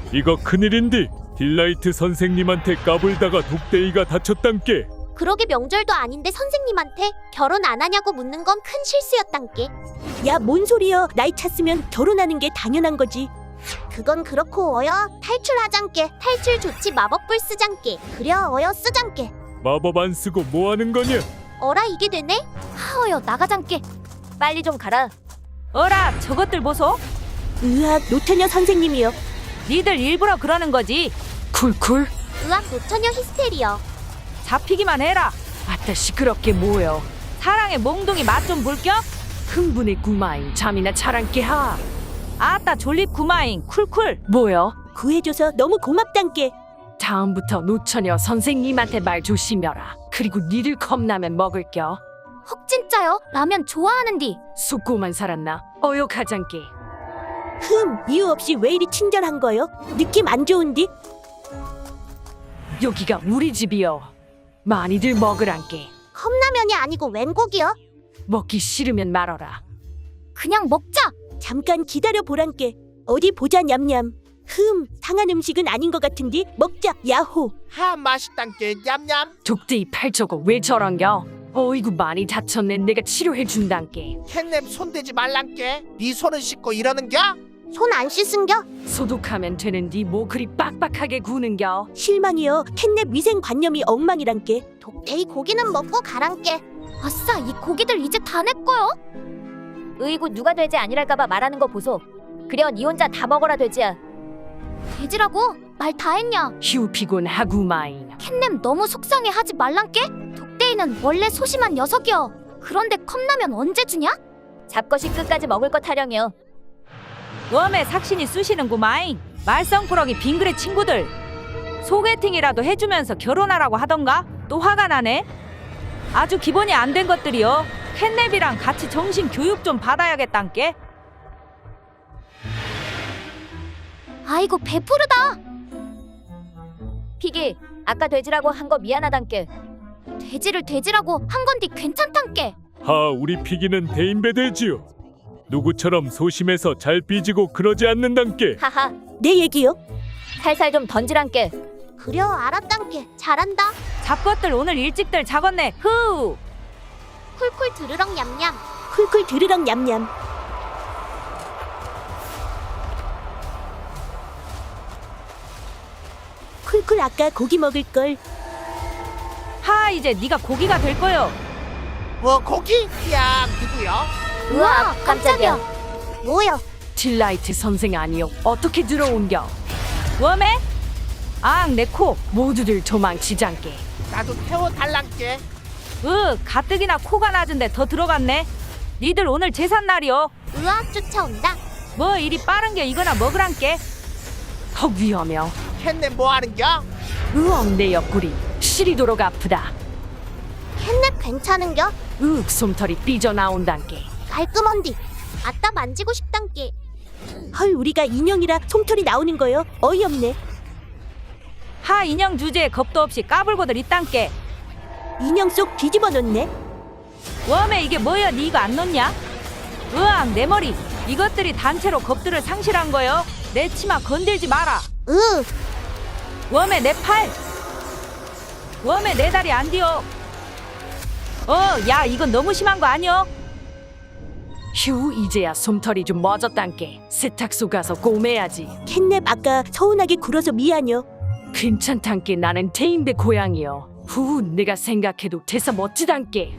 이거 큰일인디. 딜라이트 선생님한테 까불다가 독대이가 다쳤단께. 그러게 명절도 아닌데 선생님한테 결혼 안 하냐고 묻는 건 큰 실수였단께. 야, 뭔 소리여. 나이 찼으면 결혼하는 게 당연한 거지. 그건 그렇고 어여 탈출하장께. 탈출 조치 마법불 쓰장께. 그려 어여 쓰장께. 마법 안 쓰고 뭐 하는 거냐? 어라 이게 되네? 하어여 나가장께. 빨리 좀 가라. 어라 저것들 보소. 으악, 노처녀 선생님이요. 니들 일부러 그러는 거지. 쿨쿨. 으악 노처녀 히스테리어. 잡히기만 해라. 아따 시끄럽게 뭐여. 사랑의 몽둥이 맛 좀 볼겨? 흥분의 구마인 잠이나 자랑께 하. 아따 졸립 구마인 쿨쿨. 뭐여? 구해줘서 너무 고맙단께. 다음부터 노처녀 선생님한테 말 조심해라. 그리고 니들 겁나면 먹을겨. 헉 진짜요? 라면 좋아하는디. 속고만 살았나? 어여가장께. 이유 없이 왜 이리 친절한 거요? 느낌 안 좋은디? 여기가 우리 집이여. 많이들 먹으란께. 컵라면이 아니고 웬 고기요? 먹기 싫으면 말어라. 그냥 먹자. 잠깐 기다려 보란께. 어디 보자 냠냠. 상한 음식은 아닌 것 같은디? 먹자 야호. 하 맛있단께 냠냠. 독대이 팔저거 왜 저런겨? 어이구 많이 다쳤네. 내가 치료해준단께. 캣냅 손대지 말란께. 네 손은 씻고 이러는겨? 손 안 씻은겨? 소독하면 되는디 뭐 그리 빡빡하게 구는겨. 실망이여. 캣냅 위생관념이 엉망이란께. 독대이 고기는 먹고 가란께. 아싸 이 고기들 이제 다 내 거요? 으이구 누가 돼지 아니랄까봐 말하는 거 보소. 그려 니 혼자 다 먹어라 돼지야. 돼지라고? 말 다 했냐? 휴 피곤하구마인. 캣냄 너무 속상해 하지 말란께? 독대이는 원래 소심한 녀석이여. 그런데 컵라면 언제 주냐? 잡것이 끝까지 먹을 것 타령이여. 웜에 삭신이 쑤시는구마인. 말썽꾸러기 빙그레 친구들. 소개팅이라도 해주면서 결혼하라고 하던가? 또 화가 나네. 아주 기본이 안 된 것들이요. 캣냅이랑 같이 정신 교육 좀 받아야겠단께. 아이고 배부르다. 피기 아까 돼지라고 한 거 미안하단께. 돼지를 돼지라고 한 건디 괜찮단께. 하, 우리 피기는 대인배되지요. 누구처럼 소심해서 잘 삐지고 그러지 않는단께. 하하 내 얘기요? 살살 좀 던지란께. 그려 알았단께. 잘한다. 잡것들 오늘 일찍들 작았네. 후. 쿨쿨 드르렁 냠냠. 쿨쿨 드르렁 냠냠. 쿨쿨 아까 고기 먹을 걸. 하 이제 네가 고기가 될 거요. 뭐 고기? 야 누구요? 우와 깜짝이야. 뭐야? 딜라이트 선생 아니요. 어떻게 들어온겨? 웜에? 앙 내 코 모두들 도망치장께. 나도 태워달란께. 가뜩이나 코가 낮은데 더 들어갔네. 니들 오늘 제삿날이요. 으악 쫓아온다. 뭐 이리 빠른겨. 이거나 먹으란께. 헉 위험해요. 캣냅 뭐하는겨? 으엉 내 옆구리 시리도록 아프다. 캣냅 괜찮은겨? 솜털이 삐져나온단께. 깔끔한디. 아따 만지고 싶단께. 헐, 우리가 인형이라 솜털이 나오는 거요? 어이없네. 하 인형 주제에 겁도 없이 까불고들 있단께. 인형 속 뒤집어 놓네. 웜에 이게 뭐야? 니 이거 안 놓냐? 으앙 내 머리. 이것들이 단체로 겁들을 상실한 거요. 내 치마 건들지 마라. 웜에 내 팔. 웜에 내 다리 안 뒤어. 야 이건 너무 심한 거 아니여? 휴 이제야 솜털이 좀 멎었단께. 세탁소 가서 꼬매야지. 캣냅 아까 서운하게 굴어서 미안요. 괜찮단께. 나는 대인배 고양이여. 내가 생각해도 대사 멋지단께.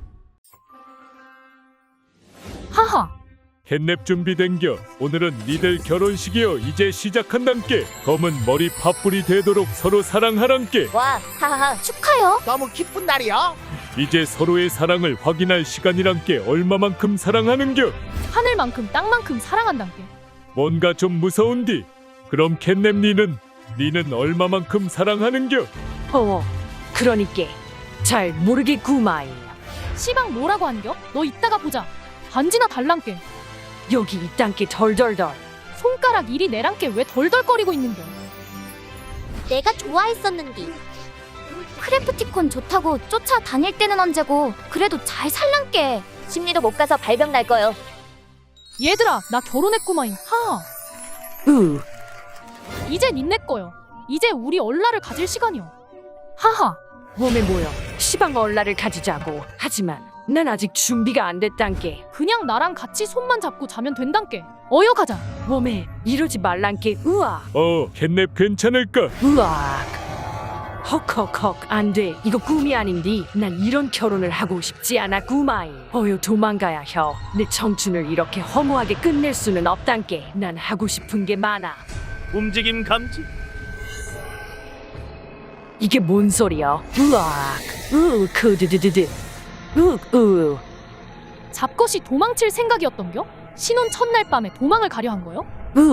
하하 캣냅 준비된겨. 오늘은 니들 결혼식이여. 이제 시작한단께. 검은 머리 팥불이 되도록 서로 사랑하란께. 와 하하하 축하요. 너무 기쁜 날이요. 이제 서로의 사랑을 확인할 시간이란께. 얼마만큼 사랑하는겨? 하늘만큼 땅만큼 사랑한단께. 뭔가 좀 무서운디. 그럼 캣냅 니는 얼마만큼 사랑하는겨? 그러니께 잘 모르겠구마이. 시방 뭐라고 한겨? 너 이따가 보자. 반지나 달랑께. 여기 이딴께 덜덜덜. 손가락 일이 내랑께 왜 덜덜거리고 있는겨? 내가 좋아했었는디. 크래프티콘 좋다고 쫓아다닐 때는 언제고. 그래도 잘 살란께. 심리도 못 가서 발병 날 거요. 얘들아 나 결혼했구마잉. 하. 이제 닌네 거요. 이제 우리 얼라를 가질 시간이요. 하하. 웜에 모여 시방 얼라를 가지자고. 하지만 난 아직 준비가 안 됐단께. 그냥 나랑 같이 손만 잡고 자면 된단께. 어여 가자. 웜에 이러지 말란께. 으악. 캣냅 괜찮을까? 으악. 헉헉헉 안돼. 이거 꿈이 아닌디. 난 이런 결혼을 하고 싶지 않아 구마이. 어여 도망가야 혀. 내 청춘을 이렇게 허무하게 끝낼 수는 없단께. 난 하고 싶은 게 많아. 움직임 감지. 이게 뭔 소리야? 으악. 크드드드드. 잡것이 도망칠 생각이었던겨? 신혼 첫날 밤에 도망을 가려 한 거요?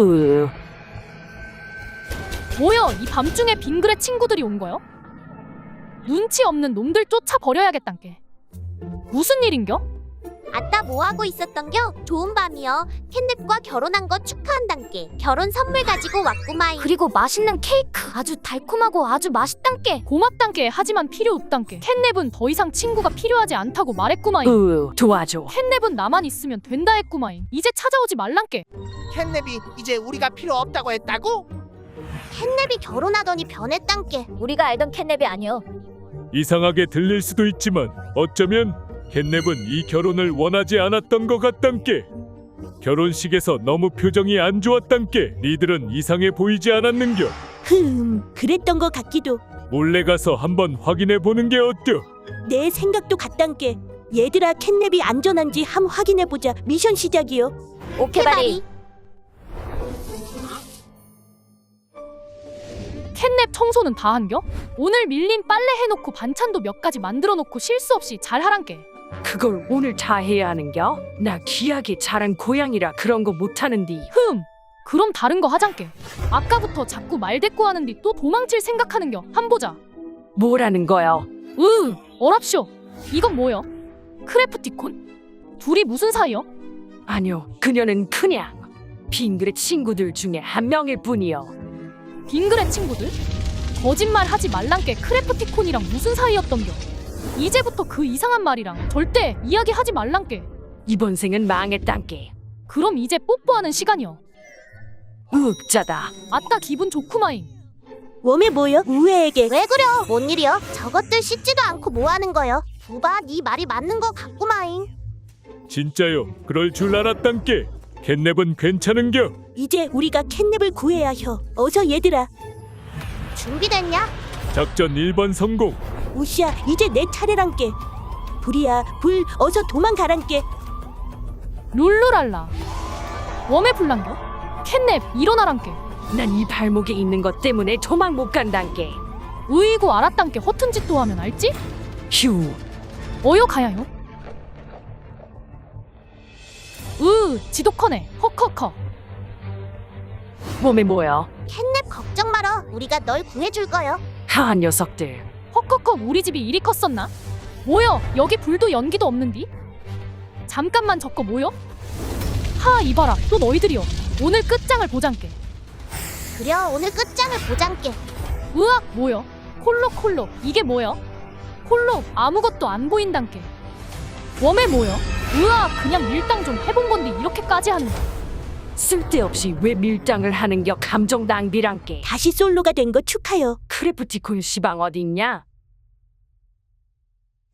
뭐여, 이 밤중에 빙그레 친구들이 온 거요? 눈치 없는 놈들 쫓아 버려야겠단께. 무슨 일인겨? 아따 뭐하고 있었던겨? 좋은 밤이여. 캣냅과 결혼한 거 축하한단께. 결혼 선물 가지고 왔구마잉. 그리고 맛있는 케이크 아주 달콤하고 아주 맛있단께. 고맙단께. 하지만 필요 없단께. 캣냅은 더 이상 친구가 필요하지 않다고 말했구마잉. 도와줘. 캣냅은 나만 있으면 된다 했구마잉. 이제 찾아오지 말란께. 캣냅이 이제 우리가 필요 없다고 했다고? 캣냅이 결혼하더니 변했단께. 우리가 알던 캣냅이 아니여. 이상하게 들릴 수도 있지만 어쩌면 캣냅은 이 결혼을 원하지 않았던 것 같단께. 결혼식에서 너무 표정이 안 좋았단께. 니들은 이상해 보이지 않았는겨? 그랬던 것 같기도. 몰래 가서 한번 확인해 보는 게 어때요? 내 생각도 같단께. 얘들아 캣냅이 안전한지 함 확인해보자. 미션 시작이요. 오케바리. 캣냅 청소는 다 한겨? 오늘 밀린 빨래 해놓고 반찬도 몇 가지 만들어 놓고 실수 없이 잘 하란께. 그걸 오늘 다 해야 하는겨? 나 귀하게 자란 고양이라 그런 거 못하는디. 그럼 다른 거 하장께. 아까부터 자꾸 말대꾸하는디 또 도망칠 생각하는겨. 한 보자. 뭐라는 거요? 어랍쇼. 이건 뭐여? 크래프티콘? 둘이 무슨 사이여? 아니요, 그녀는 그냥 빙그레 친구들 중에 한 명일 뿐이요. 빙그레 친구들? 거짓말 하지 말란께. 크래프티콘이랑 무슨 사이였던겨? 이제부터 그 이상한 말이랑 절대 이야기하지 말란께. 이번 생은 망했단께. 그럼 이제 뽀뽀하는 시간이여. 짜다. 아따 기분 좋구마잉. 웜에 뭐여? 우애에게. 왜 그려? 뭔 일이여? 저것들 씻지도 않고 뭐하는 거여? 두바 네 말이 맞는 거 같구마잉. 진짜요? 그럴 줄 알았단께. 캣냅은 괜찮은겨? 이제 우리가 캣냅을 구해야 혀. 어서 얘들아. 준비됐냐? 작전 1번 성공. 우시야 이제 내 차례란께. 불이야 불 어서 도망가란께. 룰루랄라. 웜에 불난겨? 캣냅 일어나란께. 난 이 발목에 있는 것 때문에 도망 못 간단께. 으이구 알았단께. 허튼 짓도 하면 알지? 휴. 어여 가야요. 지독하네. 헉헉헉. 몸에 뭐여? 캣냅 걱정 말어. 우리가 널 구해줄 거여. 하한 녀석들. 헉헉헉. 우리 집이 이리 컸었나? 뭐여? 여기 불도 연기도 없는디? 잠깐만 저거 뭐여? 하 이봐라. 또 너희들이여. 오늘 끝장을 보장께. 그려 오늘 끝장을 보장께. 으악 뭐여? 콜록 이게 뭐여? 콜록 아무것도 안 보인단께. 웜에 뭐여? 으악 그냥 밀당 좀 해본 건데 이렇게까지 하는 거. 쓸데없이 왜 밀당을 하는겨? 감정 낭비란께. 다시 솔로가 된 거 축하요. 크래프티콘 시방 어딨냐?